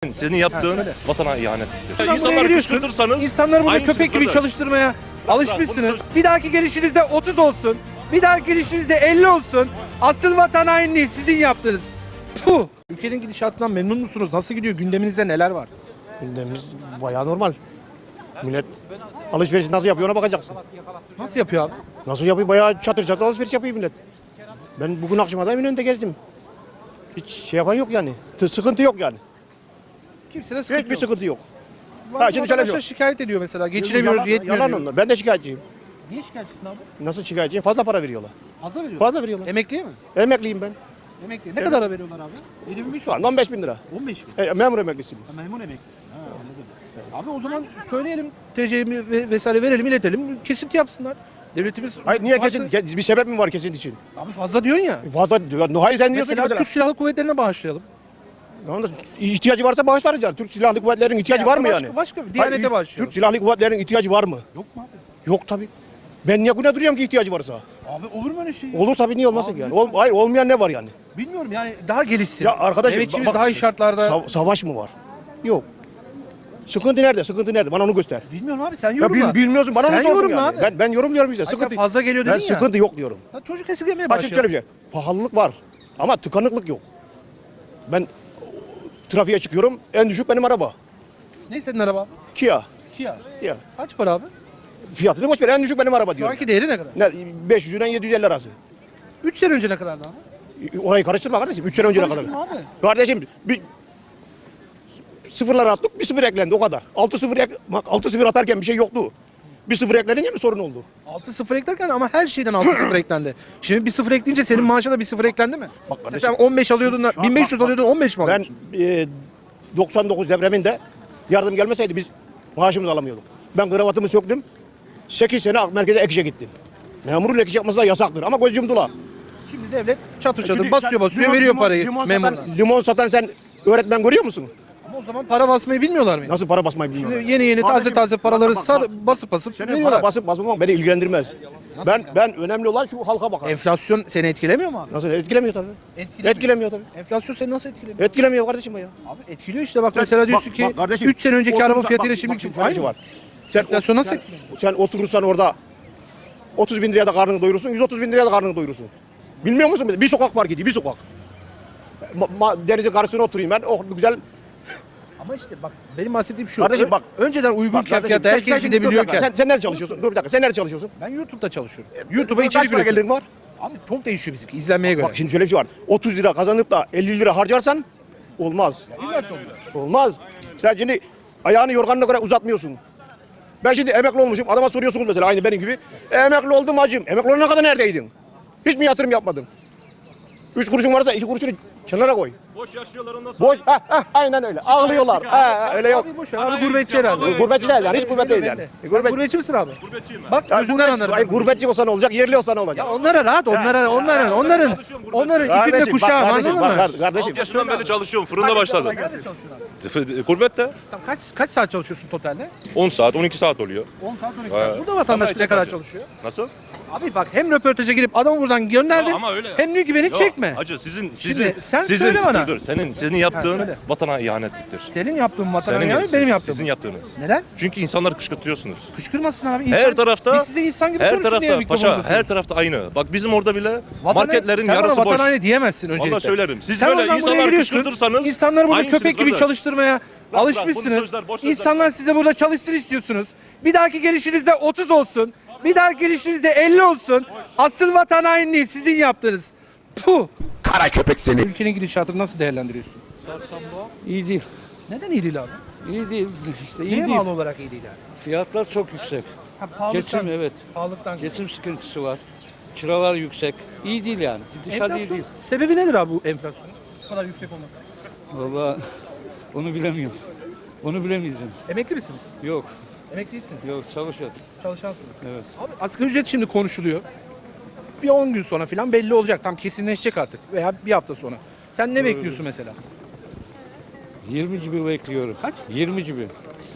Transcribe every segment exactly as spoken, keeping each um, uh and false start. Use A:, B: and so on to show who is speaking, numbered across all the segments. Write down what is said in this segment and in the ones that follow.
A: Senin yaptığın
B: söyle.
A: vatana ihanettir.
B: Buradan buraya
A: İnsanları
B: geliyorsun,
A: kışkırtırsanız
B: İnsanları burada
A: aynısınız
B: köpek gibi
A: kardeş.
B: çalıştırmaya alışmışsınız.
A: bunu
B: Bir dahaki gelişinizde otuz olsun. Bir dahaki gelişinizde elli olsun. Asıl vatan hainliği sizin yaptığınız. Puh. Ülkenin gidişatından memnun musunuz? Nasıl gidiyor? Gündeminizde neler var?
C: Gündemimiz bayağı normal. Millet alışveriş nasıl yapıyor ona bakacaksın.
B: Nasıl yapıyor abi?
C: Nasıl yapıyor? Bayağı çatır çatır alışveriş yapıyor millet. Ben bugün akşama da Eminönü'nde gezdim. Hiç şey yapan yok yani. T- Sıkıntı yok yani.
B: Kimse de sıkıntı
C: Hiçbir
B: yok.
C: sıkıntı yok.
B: Bazı
C: Ha, şimdi şöyle
B: vatandaşlar
C: diyor.
B: şikayet ediyor mesela. Geçinemiyoruz,
C: Yalan-
B: yetmiyor
C: Yalan
B: diyor.
C: onlar. Ben de şikayetçiyim.
B: Niye şikayetçisin abi?
C: Nasıl şikayetçiyim? Fazla para veriyorlar.
B: Fazla veriyor.
C: Fazla veriyorlar.
B: Emekliye mi?
C: Emekliyim ben.
B: Emekliye. Ne kadar veriyorlar abi? yedi bin beş yüz.
C: Şu anda on beş bin lira.
B: on beş bin.
C: E, memur emeklisiyim.
B: Ha, memur emeklisin. Ha, anladım. Abi o zaman söyleyelim. T C'mi ve vesaire verelim, iletelim. Kesinti yapsınlar. Devletimiz...
C: Hayır niye
B: Farklı-
C: kesin? Bir sebep mi var kesin için?
B: Abi fazla diyorsun ya.
C: Fazla diyor. Hayır sen diyorsun ki
B: Mesela
C: mesela.
B: Türk Silahlı Kuvvetleri'ne bağışlayalım.
C: Tamam da ihtiyacı varsa bağışlarız yani. Türk Silahlı Kuvvetleri'nin ihtiyacı
B: Ya
C: var mı
B: başka-
C: yani?
B: başka bir Diyanete
C: Hayır,
B: bağışlayalım.
C: Türk Silahlı Kuvvetleri'nin ihtiyacı var mı?
B: Yok mu abi?
C: Yok tabii. Ben niye güne duruyorum ki ihtiyacı varsa?
B: Abi olur mu öyle şey?
C: Olur tabii niye olmasın
B: Abi
C: ki yani?
B: lütfen.
C: Ol, hayır olmayan ne var yani?
B: Bilmiyorum yani daha gelişsin.
C: Ya arkadaşım
B: Emekçimiz
C: bak-
B: daha iyi şartlarda.
C: Sa- savaş mı var? Yok. Sıkıntı nerede? Sıkıntı nerede? Bana onu göster.
B: Bilmiyorum abi sen
C: Ya
B: yorumla.
C: bil, bilmiyorsun bana
B: sen
C: onu sordun
B: yorumla
C: yani.
B: abi.
C: Ben ben yorumluyorum işte.
B: Ay sen
C: Sıkıntı
B: fazla geliyor
C: Ben
B: dedin ya.
C: sıkıntı yok diyorum.
B: Ya çocuk esirgemeye
C: Açık
B: başlıyor.
C: şöyle bir şey. Pahalılık var ama tıkanıklık yok. Ben trafiğe çıkıyorum. En düşük benim araba.
B: Ne senin araba abi?
C: Kia.
B: Kia.
C: Kia.
B: Kaç para abi?
C: Fiyatını boş ver. En düşük benim araba
B: Şu
C: diyorum.
B: anki değeri ne kadar?
C: Ne beş yüzden yedi yüz elli arası.
B: üç sene önce ne kadardı abi?
C: Orayı karıştırma kardeşim. üç sene önce ne kadar?
B: Konuştum abi.
C: Kardeşim bir sıfırlar attık, bir sıfır eklendi o kadar. altı sıfır ek, bak altı sıfır atarken bir şey yoktu. Bir sıfır eklenince mi sorun oldu?
B: altı sıfır eklerken ama her şeyden altı sıfır eklendi. Şimdi bir sıfır ekleyince senin maaşa da bir sıfır eklendi mi?
C: Bak
B: Sen
C: kardeşim,
B: on beş alıyordun da
C: Şu an
B: bin beş yüz
C: bak-
B: alıyordun on beş mi
C: Ben
B: alıyorsun?
C: e, doksan dokuz depreminde yardım gelmeseydi biz maaşımızı alamıyorduk. Ben kravatımı söktüm. sekiz sene ak merkeze ek işe gittim. Memurun ek iş yapması da yasaktır ama göz yumdular.
B: Şimdi devlet çatır çatır
C: Çünkü
B: basıyor
C: sen
B: basıyor
C: limon-
B: veriyor
C: limon-
B: parayı
C: limon
B: memuruna.
C: satan, limon satan sen öğretmen görüyor musun?
B: Ama o zaman para basmayı bilmiyorlar mı?
C: Nasıl para basmayı bilmiyorlar.
B: Şimdi yeni yeni taze
C: Kardeşim,
B: taze paraları
C: bak, bak,
B: sar,
C: bak.
B: basıp basıp
C: Senin
B: veriyorlar.
C: para basıp basmamak beni ilgilendirmez. Ben ben önemli olan şu halka bakar.
B: Enflasyon seni etkilemiyor mu abi?
C: Nasıl etkilemiyor tabii.
B: Etkilemiyor.
C: Etkilemiyor tabii.
B: Enflasyon seni nasıl etkilemiyor?
C: Etkilemiyor kardeşim ya.
B: Abi etkiliyor işte bak
C: Sen-
B: mesela
C: bak-
B: diyorsun ki
C: bak kardeşim,
B: üç sene önceki
C: oturursan-
B: araba fiyatıyla
C: bak-
B: şimdiki
C: bak, şöyle bir şey
B: aynı
C: var.
B: mı?
C: Sen,
B: Enflasyon nasıl
C: sen,
B: etkiliyor?
C: sen oturursan orada otuz bin liraya da karnını doyurursun, yüz otuz bin liraya da karnını doyurursun. Bilmiyor musun? Bir sokak var gidiyor, bir sokak. Ma, ma- denizin karşısına oturayım ben, oh güzel.
B: Ama işte bak benim bahsettiğim şu.
C: Kardeşim
B: Ö-
C: bak-
B: önceden uygun
C: Bak kardeşim,
B: fiyata
C: sen-
B: herkes
C: sen şimdi dur bir dakika,
B: gidebiliyorken.
C: Sen, sen nerede çalışıyorsun? Dur bir dakika, sen nerede çalışıyorsun?
B: Ben YouTube'da çalışıyorum. YouTube'a
C: Kaç
B: içerik
C: para
B: üretiyorum.
C: gelirin var?
B: Abi çok değişiyor bizimki izlenmeye göre.
C: Bak şimdi şöyle bir şey var. otuz lira kazanıp da elli lira harcarsan olmaz. Olmaz. Sen şimdi ayağını yorganına göre uzatmıyorsun. Ben şimdi emekli olmuşum. Adama soruyorsunuz mesela aynı benim gibi. E, emekli oldum hacım. Emekli olana kadar neredeydin? Hiç mi yatırım yapmadın? Üç kuruşun varsa iki kuruşunu kenara koy.
A: Boş yaşıyorlar ondan sonra.
C: Boş. Heh, heh, aynen öyle. Ağlıyorlar. He, öyle yok.
B: Abi boş ver. Abi gurbetçi herhalde.
C: Gurbetçi değil yani. Hiç gurbet değil yani.
B: Sen
C: Gurbet,
B: gurbetçi misin abi?
A: Gurbetçiyim ben.
B: Bak
C: ya
B: gözünden
C: gurbet-
B: anlarım.
C: ay, gurbetçi olsa ne olacak? Yerli olsa ne olacak?
B: Ya onlara rahat, onlara, onların, onların, onların ipinde
C: Kardeşim, bak
B: kuşağım
C: kardeşim,
B: anladın
C: bak
B: mı?
C: kardeşim.
A: altı yaşından beri çalışıyorum. Fırında başladım.
B: Nerede çalışıyorsun abi?
A: Gurbette
B: Tamam, kaç kaç saat çalışıyorsun totalde?
A: on saat, on iki saat oluyor.
B: on saat on iki
A: Ha.
B: saat. Burada vatandaş
A: Ama
B: ne kadar
A: işte-
B: çalışıyor?
A: Nasıl?
B: Abi bak hem röportaja girip adamı buradan gönderdin
A: Ya ama öyle.
B: hem diyor ki beni
A: Yok,
B: çekme.
A: Hacı sizin sizin
B: Şimdi sen
A: sizin
B: söyle bana.
A: dur, dur, senin senin yaptığın
B: söyle.
A: vatana ihanettir.
B: Senin yaptığın vatana
A: Senin
B: yani
A: siz-
B: benim yaptığım.
A: Sizin yaptığınız.
B: Neden?
A: Çünkü insanları kışkırtıyorsunuz.
B: Kışkırmasın abi.
A: Her
B: İnsan-
A: tarafta
B: Biz size insan gibi
A: her
B: konuşun diye
A: tarafta
B: mikrofonu
A: paşa
B: uzatıyoruz.
A: her tarafta aynı. Bak bizim orada bile
B: Vatana-
A: marketlerin
B: sen
A: yarısı
B: bana
A: boş.
B: vatan haini diyemezsin öncelikle.
A: Vallahi söylerim. Siz
B: Sen
A: böyle
B: oradan buraya
A: insanları
B: geliyorsun,
A: kışkırtırsanız
B: İnsanları burada
A: aynısınız
B: köpek gibi
A: kardeş.
B: çalıştırmaya
A: bırak,
B: alışmışsınız.
A: bunu sözler, boş sözler.
B: İnsanlar size burada çalışsın istiyorsunuz. Bir dahaki gelişinizde otuz olsun. Bir dahaki gelişinizde elli olsun. Asıl vatan hainliği sizin yaptığınız. Puh.
D: Kara köpek seni.
B: Ülkenin gidişatını nasıl değerlendiriyorsun?
E: İyi değil.
B: Neden iyi değil abi?
E: İyi değil işte iyi
B: Neye
E: değil.
B: bağlı olarak iyi değil yani?
E: Fiyatlar çok yüksek.
B: Ha, pahalıktan,
E: Geçim evet.
B: pahalıktan.
E: Geçim sıkıntısı var. Kiralar yüksek. İyi değil yani. Gidişat iyi
B: Enflasyon.
E: değil.
B: Sebebi nedir abi bu enflasyonun? Bu kadar yüksek olması.
E: Vallahi onu bilemiyorum. Onu bilemeyeceğim.
B: Emekli misiniz?
E: Yok.
B: Emekli değilsin.
E: Yok çalışıyor.
B: Çalışansınız.
E: Evet.
B: Abi asgari ücret şimdi konuşuluyor. Bir on gün sonra falan belli olacak. Tam kesinleşecek artık. Veya bir hafta sonra. Sen ne bekliyorsun mesela?
E: yirmi gibi bekliyorum.
B: Kaç?
E: yirmi gibi.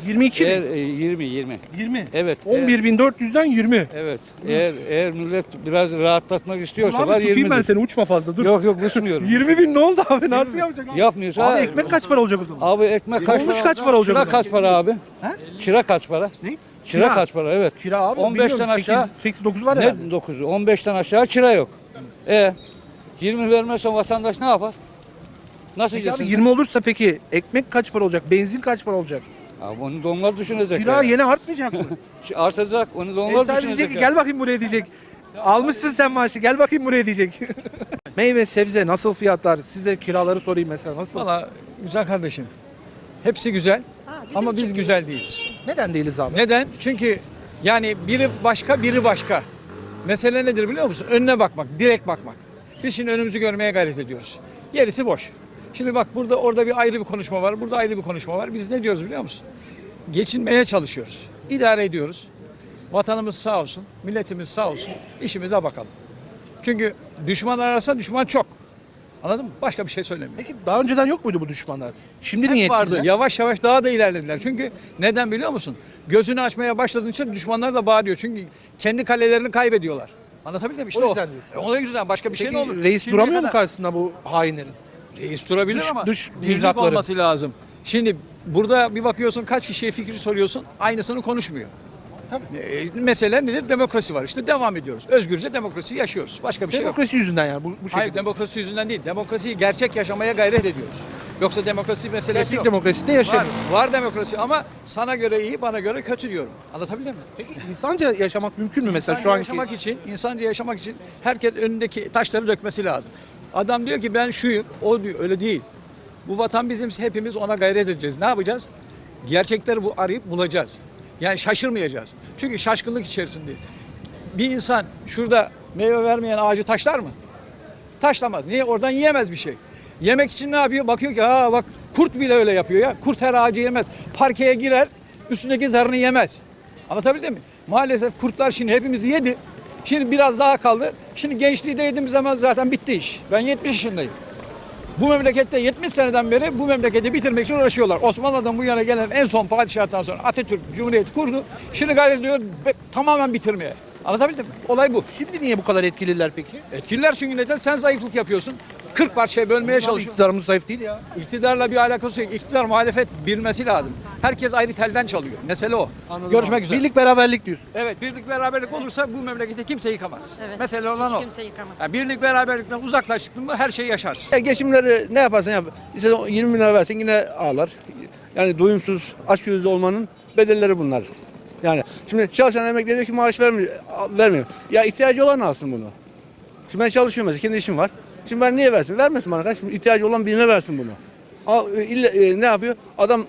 B: yirmi iki
E: Eğer
B: mi?
E: e, yirmi yirmi.
B: yirmi.
E: Evet.
B: on bir bin dört yüzden yirmi.
E: Evet. Eğer eğer millet biraz rahatlatmak istiyorsa
B: Abi
E: var
B: tutayım
E: yirmi.
B: ben seni, uçma fazla dur.
E: Yok yok uçmuyorum.
B: yirmi bin ne oldu abi? Nasıl yapacak abi?
E: Yapmıyorsa
B: Abi ekmek kaç para olacak o zaman?
E: Abi ekmek kaç
B: Olmuş
E: para?
B: kaç para olacak o
E: Kira
B: zaman?
E: kaç para abi?
B: He?
E: Kira kaç para?
B: Ne?
E: Kira kaç para? Evet.
B: Kira abi.
E: on beşten aşağı
B: sekiz dokuz var ya.
E: ne dokuzu? on beşten aşağı kira yok. E yirmi vermezsen vatandaş ne yapar? Nasıl
B: Peki abi
E: yesin?
B: yirmi olursa peki ekmek kaç para olacak? Benzin kaç para olacak?
E: Abi onu da onlar düşünecek.
B: Kira
E: yani.
B: yeni artmayacak mı?
E: Artacak. Onu da
B: E
E: onlar
B: sadece
E: düşünecek.
B: diyecek ki
E: yani.
B: gel bakayım buraya diyecek. Almışsın sen maaşı, gel bakayım buraya diyecek. Meyve sebze nasıl fiyatlar? Size kiraları sorayım mesela nasıl?
D: Valla güzel kardeşim. Hepsi güzel ama biz güzel değiliz.
B: Neden değiliz abi?
D: Neden? Çünkü yani biri başka biri başka. Mesele nedir biliyor musun? Önüne bakmak, direkt bakmak. Biz şimdi önümüzü görmeye gayret ediyoruz. Gerisi boş. Şimdi bak burada orada bir ayrı bir konuşma var, burada ayrı bir konuşma var. Biz ne diyoruz biliyor musun? Geçinmeye çalışıyoruz. İdare ediyoruz. Vatanımız sağ olsun, milletimiz sağ olsun. İşimize bakalım. Çünkü düşman ararsa düşman çok. Anladın mı? Başka bir şey söylemiyorum.
B: Peki daha önceden yok muydu bu düşmanlar? Şimdi
D: Hep
B: niye
D: vardı.
B: ettiler?
D: Yavaş yavaş daha da ilerlediler. Çünkü neden biliyor musun? Gözünü açmaya başladığınca düşmanlar da bağırıyor. Çünkü kendi kalelerini kaybediyorlar. Anlatabildim mi? İşte
B: O
D: o.
B: yüzden diyorsun.
D: E, O yüzden başka bir şey
B: Peki
D: ne olur?
B: reis
D: Şimdiye
B: duramıyor mu
D: kadar-
B: karşısında bu hainlerin?
D: Reis durabilir
B: Dış-
D: ama
B: dış
D: birlik
B: mihrakları.
D: olması lazım. Şimdi burada bir bakıyorsun kaç kişiye fikri soruyorsun aynısını konuşmuyor. E, mesele nedir? Demokrasi var. İşte devam ediyoruz. Özgürce demokrasiyi yaşıyoruz. Başka bir şey yok.
B: Demokrasi yüzünden yani bu, bu şekilde.
D: Hayır demokrasi yüzünden değil. Demokrasiyi gerçek yaşamaya gayret ediyoruz. Yoksa demokrasi meselesi
B: Gerçek
D: yok.
B: demokraside
D: Var,
B: yaşayalım.
D: var demokrasi ama sana göre iyi, bana göre kötü diyorum. Anlatabildim mi?
B: Peki insanca yaşamak mümkün mü mesela
D: İnsanca
B: şu anki?
D: yaşamak için, insanca yaşamak için herkes önündeki taşları dökmesi lazım. Adam diyor ki ben şuyum, o diyor öyle değil. Bu vatan bizim, hepimiz ona gayret edeceğiz. Ne yapacağız? Gerçekleri bu arayıp bulacağız. Yani şaşırmayacağız. Çünkü şaşkınlık içerisindeyiz. Bir insan şurada meyve vermeyen ağacı taşlar mı? Taşlamaz. Niye? Oradan yiyemez bir şey. Yemek için ne yapıyor? Bakıyor ki ha bak kurt bile öyle yapıyor ya. Kurt her ağacı yemez. Parkeye girer, üstündeki zarını yemez. Anlatabildim mi? Maalesef kurtlar şimdi hepimizi yedi. Şimdi biraz daha kaldı. Şimdi gençliği de yediğimiz zaman zaten bitti iş. Ben yetmiş yaşındayım. Bu memlekette yetmiş seneden beri bu memleketi bitirmek için uğraşıyorlar. Osmanlı'dan bu yana gelen en son padişahtan sonra Atatürk Cumhuriyeti kurdu. Şimdi gayret ediyor be- tamamen bitirmeye. Anlatabildim mi? Olay bu.
B: Şimdi niye bu kadar etkililer peki?
D: Etkililer çünkü neden? Sen zayıflık yapıyorsun. kırk parçaya bölmeye
B: Abi
D: çalışıyorsun.
B: iktidarımız zayıf değil ya.
D: İktidarla bir alakası yok. İktidar muhalefet bilmesi lazım. Herkes ayrı telden çalıyor. Mesele o.
B: Anladım
D: Görüşmek
B: abi.
D: üzere.
B: Birlik beraberlik diyorsun.
D: Evet birlik beraberlik olursa bu memleketi kimse yıkamaz.
F: Evet.
D: Mesele olan
F: Hiç
D: o.
F: kimse yıkamaz.
D: Yani birlik beraberlikten uzaklaştık mı her şeyi yaşarsın.
C: Ya geçimleri ne yaparsan yap. İşte yirmi bin lira versin yine ağlar. Yani doyumsuz, açgözlü olmanın bedelleri bunlar. Yani şimdi çalışan emekli diyor ki maaş vermiyor, vermiyor. Ya ihtiyacı olan alsın bunu. Şimdi ben çalışıyorum mesela, kendi işim var. Şimdi ben niye versin? Vermesin bana. Şimdi ihtiyacı olan birine versin bunu. Ama e, illa, e, ne yapıyor? Adam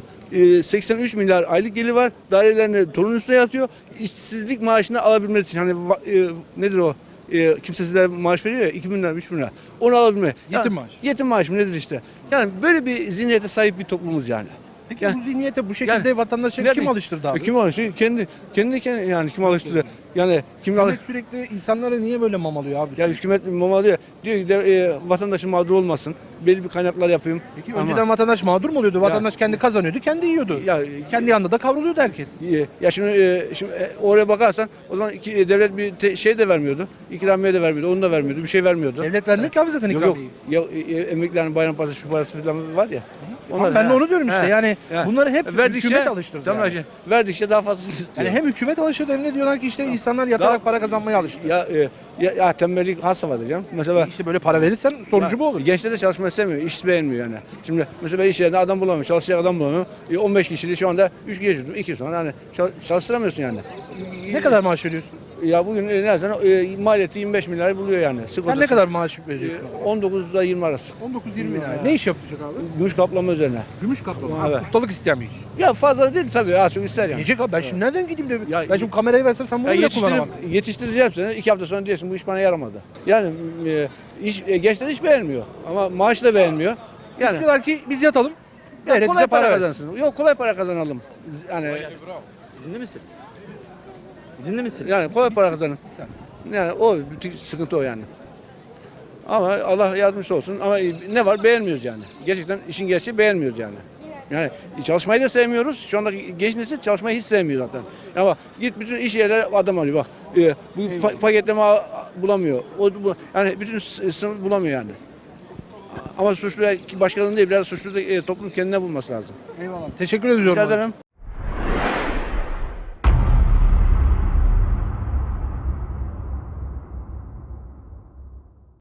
C: e, seksen üç milyar aylık geliri var. Dairelerini torun üstüne yatıyor. İşsizlik maaşını alabilmesi için hani va- e, nedir o? E, kimse size maaş veriyor ya iki bin lira, üç bin lira. Onu alabilme.
B: Yetim maaşı.
C: Yetim maaşı mı nedir işte? Yani böyle bir zihniyete sahip bir toplumuz yani.
B: Peki
C: Yani-
B: bu zihniyete bu şekilde
C: Yani-
B: vatandaşı
C: Ne-
B: kim alıştırdı abi?
C: E, Kim alıştırdı? Kendi, kendi, kendi yani kim alıştırdı? Yani kim alıştırdı?
B: Hükümet sürekli insanları niye böyle mamalıyor abi?
C: Ya hükümet mama diyor, diyor ki de, e, vatandaşın mağdur olmasın. Belli bir kaynaklar yapayım.
B: Peki
C: Ama-
B: önceden vatandaş mağdur mu oluyordu? Vatandaş kendi kazanıyordu, kendi yiyordu.
C: Ya,
B: Kendi yanında da kavruluyordu herkes.
C: e, ya şimdi, e, şimdi e, oraya bakarsan o zaman iki, e, devlet bir te- şey de vermiyordu. İkramiye de vermiyordu. Onu da vermiyordu. Bir şey vermiyordu.
B: Devlet vermiyor ki abi zaten
C: Yok yok.
B: ikramiyeyi.
C: Ya, e, emeklilerin bayram parası şu parası falan var ya.
B: Tamam, ben de onu diyorum işte. Yani bunları hep hükümet alıştırdı
C: Tamam
B: yani.
C: yani. Verdikçe daha fazla istiyor.
B: Yani hem hükümet alıştırdı hem de diyorlar ki işte insanlar yatarak
C: Daha-
B: para kazanmaya alıştı.
C: ya, e, ya, ya tembellik hasta var diyeceğim. Mesela
B: İşte böyle para verirsen sonucu
C: ya,
B: bu olur.
C: Gençler de çalışmak istemiyor. İş beğenmiyor yani. Şimdi mesela ben iş yerinde adam bulamıyorum. Çalışacak adam bulamıyorum. E, on beş kişiliği şu anda üç kişi tuttum. iki sonra hani çal- çalıştıramıyorsun yani.
B: Ne kadar maaş veriyorsun?
C: Ya bugün e, nereden e, maliyeti yirmi beş milyar buluyor yani.
B: Sen
C: Sigortası.
B: ne kadar maaş
C: E,
B: veriyorsun?
C: on dokuzla yirmi arası.
B: on dokuz yirmi lira. Ne iş yapacak abi?
C: Gümüş kaplama üzerine.
B: Gümüş kaplama.
C: Evet.
B: Abi, ustalık isteyen bir iş.
C: Ya fazla değil tabii. Az çok ister yani.
B: Yiyecek abi ben şimdi nereden gideyim de
C: Ya-
B: ben şimdi kamerayı versem sen bunu
C: Ya
B: bile
C: yetiştirip,
B: kullanamazsın.
C: yetiştireceğim seni. İki hafta sonra diyorsun bu iş bana yaramadı. Yani e, iş, e, gençler hiç beğenmiyor. Ama maaş da beğenmiyor. Yani
B: Diyorlar ki biz yatalım.
C: ya
B: Devlet
C: kolay
B: bize
C: para,
B: para versin.
C: kazansın. Yok kolay para kazanalım. Yani
G: İzinli misiniz? İzinli misiniz?
C: yani kolay para kazanın. Yani o bütün sıkıntı o yani. Ama Allah yardımcısı olsun. Ama ne var beğenmiyoruz yani. Gerçekten işin gerçeği beğenmiyoruz yani.
F: Yani çalışmayı da sevmiyoruz. Şu andaki genç nesil çalışmayı hiç sevmiyor zaten. Ama git bütün iş yerleri adam arıyor bak. E, bu pa- paketleme a- bulamıyor. O, bu, yani bütün s- sınıf bulamıyor yani. Ama suçlu başkalarının değil biraz suçlu da e, toplum kendine bulması lazım.
B: Eyvallah. Teşekkür ediyorum.
F: Rica ederim.